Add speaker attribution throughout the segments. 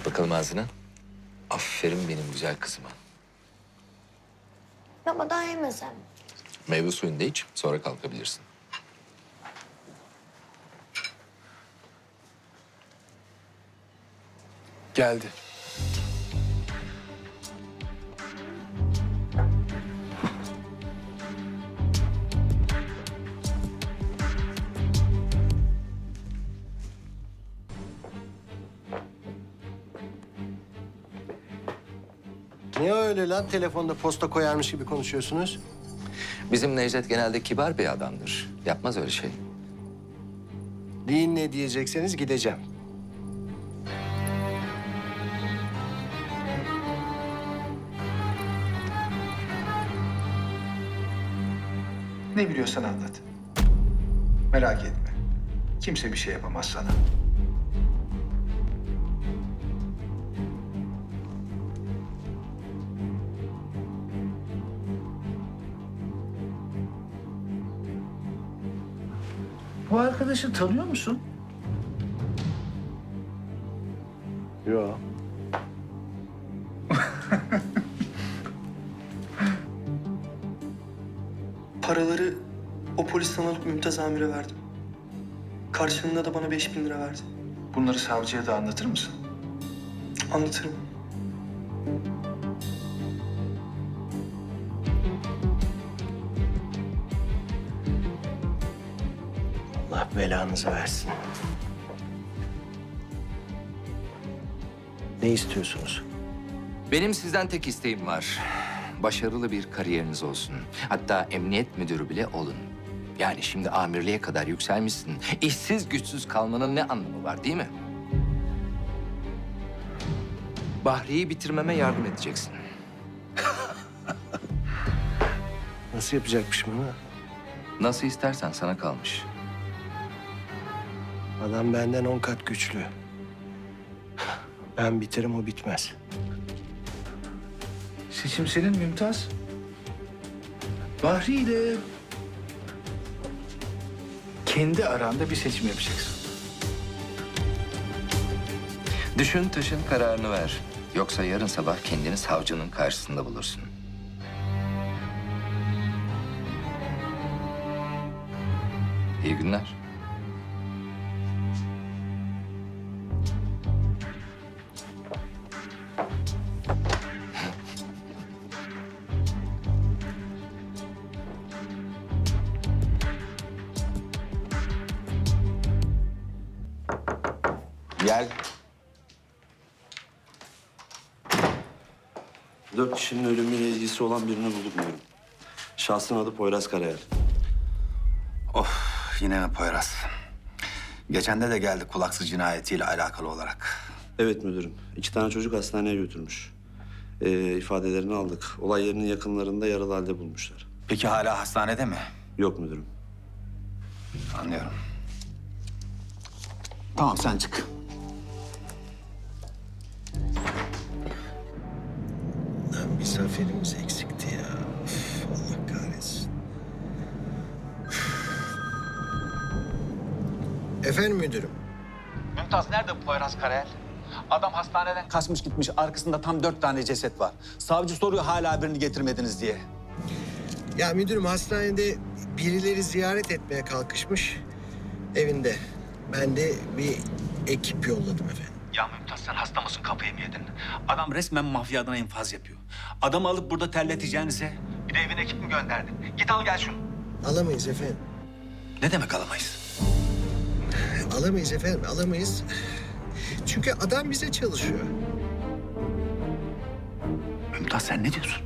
Speaker 1: bakalım ağzına. Aferin benim güzel kızıma.
Speaker 2: Baba daha yemesem.
Speaker 1: Meyve suyunu da iç, sonra kalkabilirsin.
Speaker 3: Geldi.
Speaker 4: Niye öyle lan? Telefonda posta koyarmış gibi konuşuyorsunuz.
Speaker 1: Bizim Necdet genelde kibar bir adamdır. Yapmaz öyle şey.
Speaker 4: Deyin ne diyecekseniz gideceğim.
Speaker 5: Ne biliyorsan anlat. Merak etme. Kimse bir şey yapamaz sana. Bu arkadaşı tanıyor musun?
Speaker 4: Yok.
Speaker 6: Paraları o polisten alıp Mümtaz Amir'e verdim. Karşılığında da bana 5.000 lira verdi.
Speaker 5: Bunları savcıya da anlatır mısın?
Speaker 6: Anlatırım.
Speaker 4: Allah belanızı versin. Ne istiyorsunuz?
Speaker 1: Benim sizden tek isteğim var. Başarılı bir kariyeriniz olsun. Hatta emniyet müdürü bile olun. Yani şimdi amirliğe kadar yükselmişsin. İşsiz güçsüz kalmanın ne anlamı var değil mi? Bahri'yi bitirmeme yardım edeceksin.
Speaker 4: Nasıl yapacakmışım bunu?
Speaker 1: Nasıl istersen sana kalmış.
Speaker 4: Adam benden 10 kat güçlü. Ben biterim, o bitmez.
Speaker 5: Seçim senin Mümtaz. Bahri ile kendi aranda bir seçim yapacaksın.
Speaker 1: Düşün taşın kararını ver. Yoksa yarın sabah kendini savcının karşısında bulursun. İyi günler. Gel.
Speaker 7: 4 kişinin ölümüyle ilgisi olan birini bulduk müdürüm. Şahsın adı Poyraz Karayel.
Speaker 8: Of, yine mi Poyraz? Geçen de geldi kulaksız cinayetiyle alakalı olarak.
Speaker 7: Evet müdürüm. 2 tane çocuk hastaneye götürmüş. İfadelerini aldık. Olay yerinin yakınlarında yaralı halde bulmuşlar.
Speaker 8: Peki hala hastanede mi?
Speaker 7: Yok müdürüm.
Speaker 8: Anlıyorum. Tamam, sen çık.
Speaker 4: Lan bir zaferimiz eksikti ya. Üf, Allah kahretsin. Efendim müdürüm.
Speaker 9: Mümtaz nerede bu Poyraz Karayel? Adam hastaneden kaçmış gitmiş. Arkasında tam 4 tane ceset var. Savcı soruyor hala birini getirmediniz diye.
Speaker 4: Ya müdürüm, hastanede birileri ziyaret etmeye kalkışmış evinde. Ben de bir ekip yolladım efendim.
Speaker 9: Ya Mümtaz sen hasta mısın, kafayı mı yedin? Adam resmen mafya adına infaz yapıyor. Adamı alıp burada terleteceğinize bir de evine ekip mi gönderdin? Git al gel şunu.
Speaker 4: Alamayız efendim.
Speaker 9: Ne demek alamayız?
Speaker 4: Alamayız efendim, alamayız. Çünkü adam bize çalışıyor.
Speaker 9: Mümtaz sen ne diyorsun?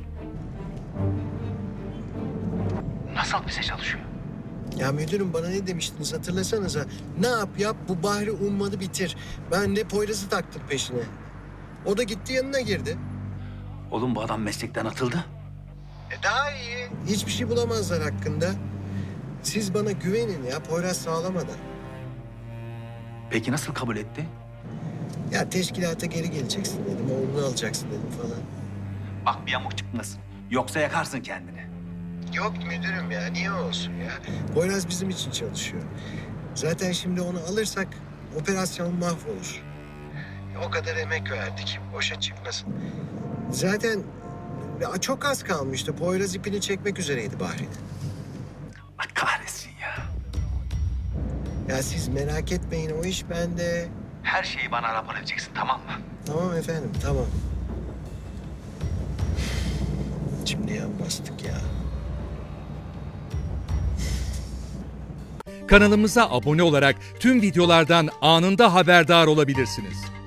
Speaker 9: Nasıl bize çalışıyor?
Speaker 4: Ya müdürüm, bana ne demiştiniz hatırlasanıza. Ne yap bu Bahri ummadı bitir. Ben de Poyraz'ı taktım peşine. O da gitti yanına girdi.
Speaker 9: Oğlum bu adam meslekten atıldı.
Speaker 4: Daha iyi. Hiçbir şey bulamazlar hakkında. Siz bana güvenin ya, Poyraz sağlamadan.
Speaker 9: Peki nasıl kabul etti?
Speaker 4: Ya teşkilata geri geleceksin dedim, oğlunu alacaksın dedim falan.
Speaker 9: Bak bir yamuk çıkmasın. Yoksa yakarsın kendini.
Speaker 4: Yok müdürüm ya, niye olsun ya? Poyraz bizim için çalışıyor. Zaten şimdi onu alırsak operasyon mahvolur. O kadar emek verdik. Boşa çıkmasın. Zaten ya çok az kalmıştı. Poyraz ipini çekmek üzereydi Bahri'nin.
Speaker 9: Allah kahretsin ya.
Speaker 4: Ya siz merak etmeyin, o iş bende.
Speaker 9: Her şeyi bana rapor edeceksin, tamam mı?
Speaker 4: Tamam efendim, tamam. Şimdi yan bastık ya.
Speaker 2: Kanalımıza abone olarak tüm videolardan anında haberdar olabilirsiniz.